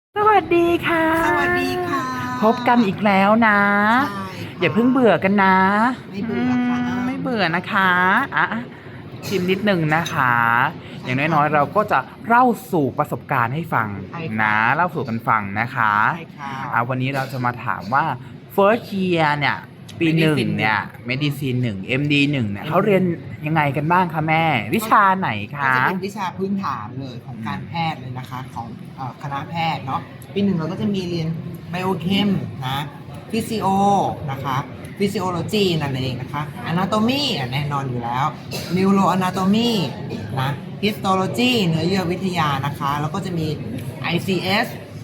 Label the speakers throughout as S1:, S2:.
S1: สวัสดีค่ะ
S2: สวัสดีค่ะ
S1: พบกันอีกแล้วนะ
S2: ใช่
S1: อย่าเพิ่งเบื่อกันนะ
S2: ไม่เบื่อค่ะ
S1: ไม่เบื่อนะคะชิมนิดนึงนะคะ อ
S2: ใช่
S1: ย่าง
S2: ค่ะ
S1: น้อยๆเราก็จะเล่าสู่ประสบการณ์ให้ฟัง
S2: ใช่ค่ะ
S1: นะเล่าสู่กันฟังนะคะ
S2: ใช่ค่ะ
S1: วันนี้เราจะมาถามว่า first year เนี่ยปีหนึ่ง
S2: Medicine
S1: เนี่ย medicine 1 MD 1เนี่ยเขาเรียนยังไงกันบ้างคะแม่ วิชาไหน
S2: ก็
S1: คะ
S2: จะเป็นวิชาพื้นฐานเลยของการแพทย์เลยนะคะของคณะแพทย์เนาะปีหนึ่งเราก็จะมีเรียนไบโอเคมนะฟิสิโอนะคะฟิสิโอโลจีนั่นเองนะคะอนาโตมีแน่นอนอยู่แล้วนิวโรอนาโตมีนะฮิสโตโลจีเนื้อเยื่อวิทยานะคะแล้วก็จะมี ICS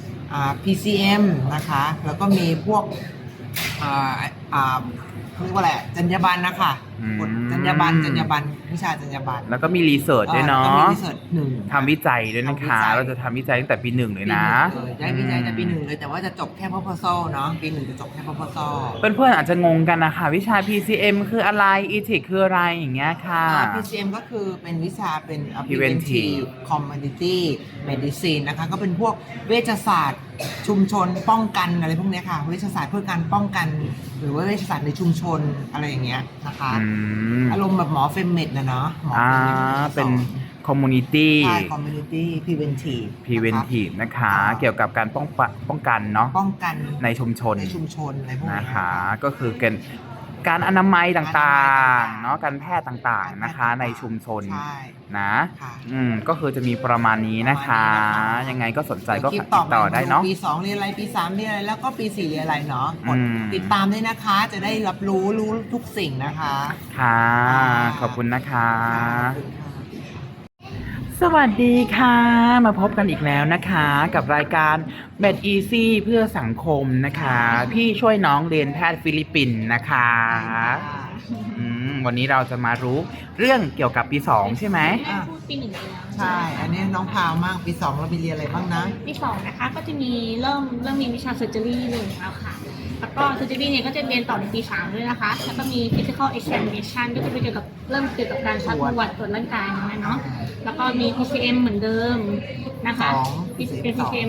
S2: PCM นะคะแล้วก็มีพวกอ่าเขาเรียกว่าอะไรจรรยาบรรณนะคะบทจรรยาบรรณวิชาจรรยาบรรณ
S1: แล้วก็มีรีเสิร์ชด้วยเนาะ
S2: แล้วก็มีรีเสิร์ชหนึ่ง
S1: ทำวิจัยด้วยนะคะ
S2: ทำวิจัย
S1: เราจะทำวิจัยตั้งแต่ปีหนึ่งเลยนะ
S2: ได้วิจัยแต่ปีหนึ่งเลยแต่ว่าจะจบแค่ proposal เนาะปีหนึ่งจะจบแค่ proposal
S1: เพื่อนๆอาจจะงงกันนะคะ วิชา PCM คืออะไร ETIC คืออะไรอย่างเงี้ยค่ะ
S2: PCM ก็คือเป็นวิชาเป็น
S1: Preventive
S2: Community Medicine นะคะก็เป็นพวกเวชศาสตร์ชุมชนป้องกันอะไรพวกเนี้ยค่ะเวชศาสตร์เพื่อการป้องกัน หรือว่าเวชศาสตร์ในชุมชนอะไรอย่างเงี้ยนะคะ อารมณ์แบบหมอเฟมเมดนะเนาะหมอเฟมเมด
S1: เป็น community
S2: ใช่ Community Preventive
S1: preventive นะคะ เกี่ยวกับการป้องกันเนาะ
S2: ป้องกัน
S1: ในชุมชน
S2: อะไรพวกนี้
S1: นะคะ ก็คือการอนามัยต่างๆ เนาะการแพทย์ต่างๆนะคะ ในชุมชน
S2: ใช่
S1: นะ
S2: ค่ะ
S1: ก็คือจะมีประมาณนี้นะคะ ยังไงก็สนใจก็
S2: คลิ
S1: ติ
S2: ป
S1: ดต่อได้เนาะ
S2: ปี 2 เรียนอะไรปี 3 เรียนอะไรแล้วก็ปี 4 เรียนอะไรเนาะกด
S1: อืม
S2: ติดตามด้วยนะคะจะได้รับรู้ทุกสิ่งนะคะ
S1: ค่ะ
S2: ค่ะ
S1: ขอบคุณนะคะ
S2: ขอบคุณค่ะ
S1: สวัสดีค่ะ มาพบกันอีกแล้วนะคะ กับรายการ Med Easy เพื่อสังคมนะคะ พี่ช่วยน้องเรียนแพทย์ฟิลิปปินส์นะคะวันนี้เราจะมารู้เรื่องเกี่ยวกับปี 2 ใช่ไหม
S3: พูดปีหนึ่งไปแล้ว
S2: ใช่ อันนี้น้องพาวมากปี 2 เราไปเรียนอะไรบ้างนะ
S3: ปีสองนะคะก็จะมีเริ่มมีวิชา surgery หนึ่งแล้วค่ะ แล้วก็ surgery เนี่ยก็จะเรียนต่อในปี 3 ด้วยนะคะ แล้วก็มี physical examination ก็จะเป็นเกี่ยวกับเกี่ยวกับการซักประวัติตรวจร่างกายนะเนาะ แล้วก็มี PCM เหมือนเดิมนะคะ เป็น PCM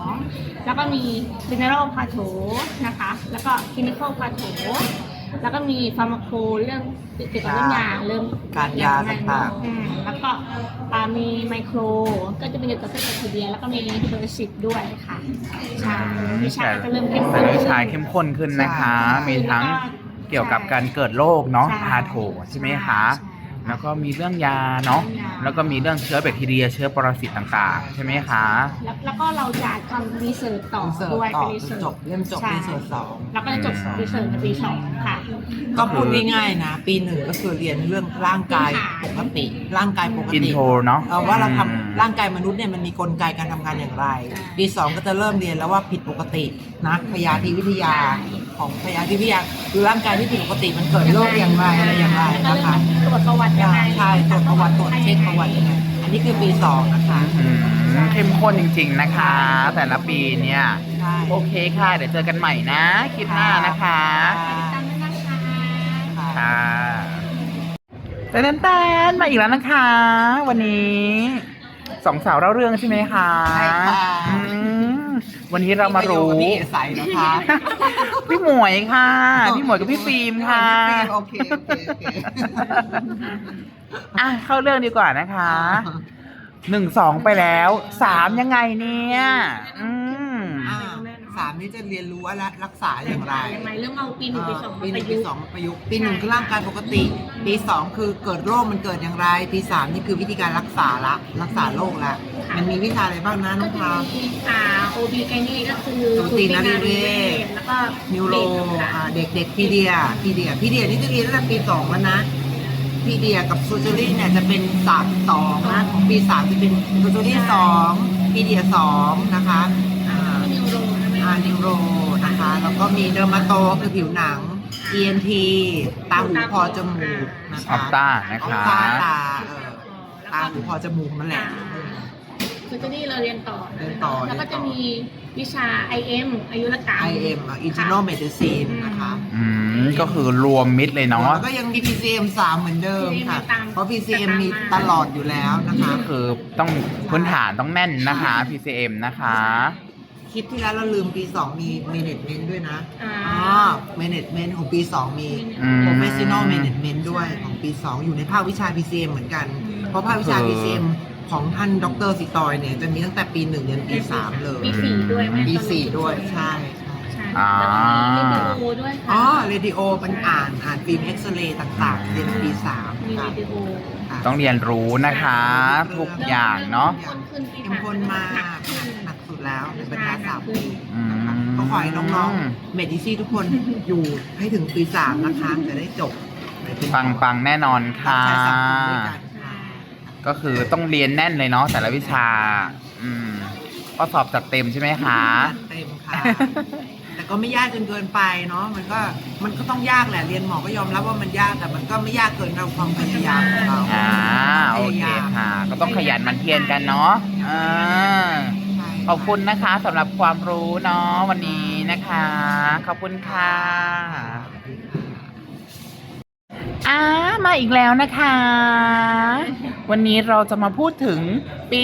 S3: 2 แล้วก็มี general patho นะคะ แล้วก็ clinical patho แล้วก็มี pharmaco เรื่องเกี่ยวกับเรื่องยาเริ่ม
S2: การยาต่างๆ
S3: แล้วก็มีไมโครก็จะเป็นเกี่ยวกับเส้นประสาทแล้วก็มีเบอร์สิบด้วยค่ะใช่วิชาก็เริ่มเข้มข้น
S1: วิชาเข้มข้นขึ้นนะคะ มีทั้งเกี่ยวกับการเกิดโรคเนาะพาโถใช่ไหมคะ แล้วก็มีเรื่องยาเนาะ แล้วก็มีเรื่องเชื้อแบคทีเรีย เชื้อปรสิตต่างๆ ใช่ไหมคะ
S3: แล้วก็เราจะทำรีเสิร์ชต่อ
S2: รีเสิร์ช
S3: ด้วย
S2: ต่อ
S3: เป็นรีเสิร์ช
S2: จบเล่มจบ
S3: ใช่
S2: รีเสิร์ชสอง
S3: แล้วก็จะจบรีเสิร์ชในปี 2 ค่ะ
S2: ก็พูดง่ายๆนะ ปี 1 ก็คือเรียนเรื่องร่างกายปกติ ร่างกายปก
S1: อิน
S2: ติ
S1: โทรเนาะ
S2: ว่าเราทำร่างกายมนุษย์เนี่ยมันมีกลไกการทำงานอย่างไร ปี 2 ก็จะเริ่มเรียนแล้วว่าผิดปกตินะพยาธิวิทยาของพยาธิวิทยาคือร่างกายที่ผิดปกติมันเกิดโรคอย่างไรอะไรอย่างไร
S3: แล้วก็
S2: นะคะ
S3: เริ่มตรวจประวัติยังไง
S2: ใช่ตรวจประวัติตรวจเช็คประวัติยังไงอันนี้คือปี 2 นะคะ
S1: เข้มข้นจริงๆนะคะ แต่ละปีเนี่ย
S2: ใช่
S1: โอเคค่ะ เดี๋ยวเจอกันใหม่นะคลิปหน้านะคะ
S3: ตามนั้นนะคะ
S1: ค่ะแต่แตนมาอีกแล้วนะคะ วันนี้สองสาวเล่าเรื่องใช่ไหมคะ
S2: ใช่ค่ะ
S1: อืมวันนี้เรามารู้
S2: พี่เอใสนะคะ
S1: พี่หมวยค่ะ พี่หมวยกับพี่ฟิล์มค่ะ
S2: โอเคโอเค
S1: เข้าเรื่องดีกว่านะคะ1 2ไปแล้ว3ยังไงเนี่ย
S2: 3นี่จะเรียนรู้ว่ารักษาอย่างไร
S3: หมายเรื่องเอาปี 1 ปี 2
S2: ปีหนึ่ง
S3: ประ
S2: ปี
S3: ยุกต์
S2: สองประยุกต์ปี 1คือร่างกายปกติ ปี 2 คือเกิดโรคมันเกิดอย่างไร ปี 3 นี่คือวิธีการรักษาโรคละมันมีวิชาอะไรบ้างนะน้
S3: ก็
S2: อง
S3: จะ
S2: พาว
S3: มีOB ไกนี่ก็คือ
S2: สูตินรีเวช
S3: แล้วก็
S2: นิวโรเด็กพีเดียนี่จะเรียนตั้งแต่ปี 2 แล้วนะพีเดียกับซูเจอรี่เนี่ยจะเป็น2นะของปี 3 จะเป็นซูเจอรี่2พีเดีย2นะคะ
S3: นิวโร
S2: นิวโรนะคะ แล้วก็มีเดอร์มาโตคือผิวหนัง ENT ตาหูคอจมูกนะคะ
S1: ออปต้านะคะ
S2: ออปต้าตาหูคอจมูกนั่นแหละ
S3: คือจะนี่เราเรียนต่อ แล้วก็จะมีวิชา IM อายุรกรรม
S2: IM Internal Medicine นะคะ
S1: ก็คือรวมมิดเลยเนาะ
S2: แล้วก็ยังมี PCM 3 เหมือนเดิมค่ะ เพราะ PCM มีตลอดอยู่แล้วนะคะ
S1: ก็คือต้องพื้นฐานต้องแน่นนะคะ PCM นะคะ
S2: เคลิปที่แล้วเราลืมปี 2 มี management ด้วยนะ management ของปี 2 มี professional management ด้วยของปี 2 อยู่ในภาควิชา PCM เหมือนกัน เพราะภาควิชา PCM ของท่านดรสิตอยเนี่ยจะมีตั้งแต่ปี 1 ยันปี 3 เลย
S3: ปีสี่ด้วยไหม
S2: ปี 4 ด้วยใช่
S3: ใช่
S1: อ่า
S3: แล้วก็มีวิดีโอด้วยค่ะ
S2: อ๋อเรดิโอเป็นอ่านฟิล์มเอ็กซเรย์ต่างๆ เรียนปี 3
S3: มี
S2: ค่ะ
S3: วิดีโอ
S1: ต้องเรียนรู้นะคะ ทุกอย่างเนาะ
S2: เข้มข้นมากหนักสุดแล้วในบรรดา3 ปี
S1: อืม
S2: นะคะก็ขอให้น้องๆเมดิซี่ทุกคนอยู่ให้ถึงปี 3 นะคะจะได้จบ
S1: ปังๆแน่นอนค่ะ
S2: ใช้สังคมด้วยกันค่ะ
S1: ก็คือต้องเรียนแน่นเลยเนาะแต่ละวิชา อืมก็สอบจัดเต็มใช่ไหมคะ
S2: เต็มค่ะ แต่ก็ไม่ยากจนเกินไปเนาะมันก็ต้องยากแหละเรียนหมอก็ยอมรับว่ามันยากแต่มันก็ไม่ยากเกินเราความพยายามของเรา
S1: โอเคค่ะ ก็ต้องขยันหมั่นเพียรกันเนาะขอบคุณนะคะสำหรับความรู้เนาะวันนี้นะคะ ขอบคุณค่ะมาอีกแล้วนะคะ วันนี้เราจะมาพูดถึงปี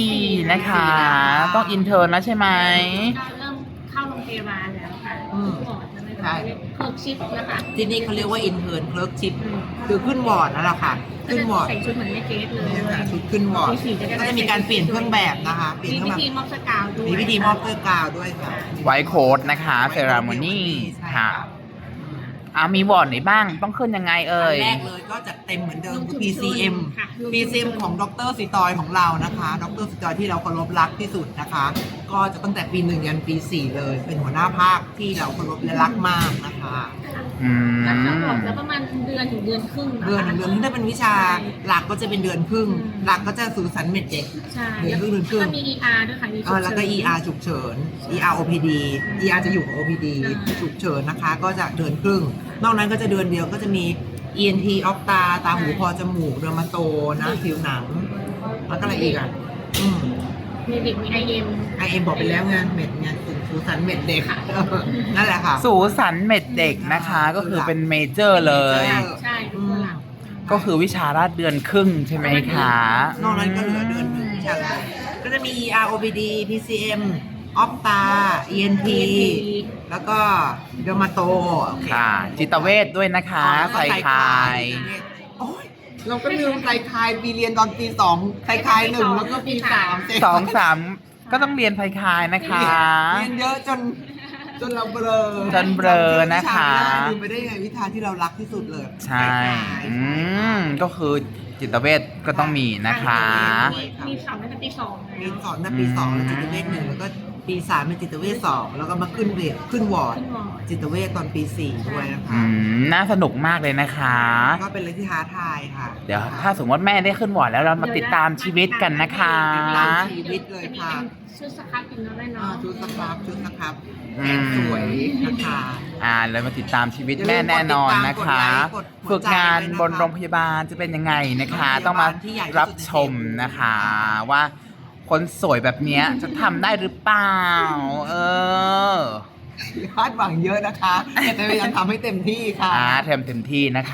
S1: 4นะคะ ต้องอินเทอร์นะใช่ไหม
S3: ก็เริ่มเข้าโรงพยาบาลแล้วค่ะก่อนจะไม่ต้องเรียกเคิร์กชิปนะคะ
S2: ที่นี่เขาเรียกว่าอินเทอร์เคิร์กชิปคือขึ้นวอร์ดนั่นแหละค่ะ
S3: ก็
S2: ขึ้น
S3: จะ
S2: วอร์ด
S3: ใส่ชุดเหมือนแม่เกสเลย
S2: นี่ค่ะชุดขึ้นวอร์ด
S3: ปีสี่ก็
S2: ก็จะมีการเปลี่ยนเครื่องแบบนะคะเปลี่ยน
S3: มี
S2: เครื่
S3: พิ
S2: องแบบ
S3: ธีมอบสกาวด้วย
S2: มีพิธีมอบเสื้อกาวด้วยค่ะ
S1: ไวท์โค้ดนะคะเซราโมนีค่ะมีวอร์ดไหนบ้างต้องขึ้นยังไงเอ่
S2: อั
S1: ย
S2: นแรกเลยก็จะเต็มเหมือนเดิมคือ PCM PCM ของดรสิตอยของเรานะคะดรสิตอยที่เราเคารพรักที่สุดนะคะ ก็จะตั้งแต่ปี 1 ยันปี 4 เลย เป็นหัวหน้าภาคที่เราเคารพและรักมากนะคะ
S1: อืม
S3: ก็จะบอกแล้วประมาณเดือนถึงเดือนครึ่งนะคะ
S2: เดือนถ้าเป็นวิชาหลักก็จะเป็นเดือนครึ่ง หลักก็จะสู่สันเม็ดเด็ก
S3: ใช่
S2: เดือนครึ่งเดือนครึ่ง
S3: ก็มี ER ด้วยค่ะมีฉุกเฉิน
S2: แล้วก็ ER ฉุกเฉิน ER OPD ER จะอยู่กับ OPD ฉุกเฉินนะคะ ก็จะเดือนครึ่ง นอกนั้นก็จะเดือนเดียวก็จะมี ENT ออกตาหูคอจมูกเดอร์มาโตนะผิวหนัง แล้วก็อะไรอีกอ่ะ
S3: มีเด็กมี IM
S2: IM บอกไปแล้วไงเม็ดไงสู่สันเม็ดเด็กนั่นแหละค่ะ
S1: สูสันเม็ดเด็กนะคะ ก็คือเป็นเมเจอร์เลย
S3: ใช่เป็นตัวหลัก
S1: ก็คือวิชาราชเดือนครึ่งใช่ไหมคะ
S2: นอกนั้นก็เหลือเดือนหนึ่งวิชาเลยก็จะมี ER OPD PCM ออกตา ENT แล้วก็เดอร์มาโต
S1: ค่ะ จิตเวชด้วยนะคะใส่คาย
S2: โอ้ยเราก็ลืมไตรคายปีเรียนตอนปี 2ไตรคาย 1 แล้วก็ปี 3
S1: 2-3 ก็ต้องเรียนไพคายนะคะ
S2: เรียนเยอะจนเราเบลอ
S1: จนเบลอนะคะ
S2: ลืมไปได้ยังไงวิชาที่เรารักที่สุดเลย
S1: ใช่ก็คือจิตเวชก็ต้องมีนะคะ
S3: มีสอนตั้งแต่ปีสอง
S2: มีสอนตั้งแต่ปี 2 แล้วจิตเวช1แล้วก็ปี 3 เป็นจิตเวช2แล้วก็มาขึ้นวอร์ดจิตเวชตอนปี 4 ด้วยนะคะ
S1: น่าสนุกมากเลยนะคะ
S2: ก็เป็นอะไรที่ท้าทายค่ะ
S1: เดี๋ยวถ้าสมมติแม่ได้ขึ้นวอร์ดแล้วเรามาติดตามชีวิตกันนะคะ
S2: ตามชีวิตเลย
S3: จะมี
S2: ค่ะ
S3: ชุดสครับกินน้ำแม่เนาะ
S2: ชุดสครับแสนสวยนะคะ
S1: แล้วมาติดตามชีวิตแม่แน่นอนนะคะ ฝึกงานบนโรงพยาบาลจะเป็นยังไงนะคะ ต้องมารับชมนะคะว่าคนสวยแบบเนี้ยจะทำได้หรือเปล่า
S2: คาดหวังเยอะนะคะแต่จะพยายามทำให้เต็มที่ค่ะ
S1: เต็มที่นะคะ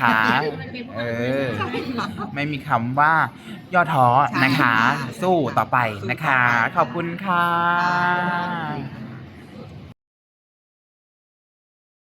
S1: ไม่มีคำว่าย่อท้อนะคะ สู้ต่อไปนะคะ ขอบคุณค่ะ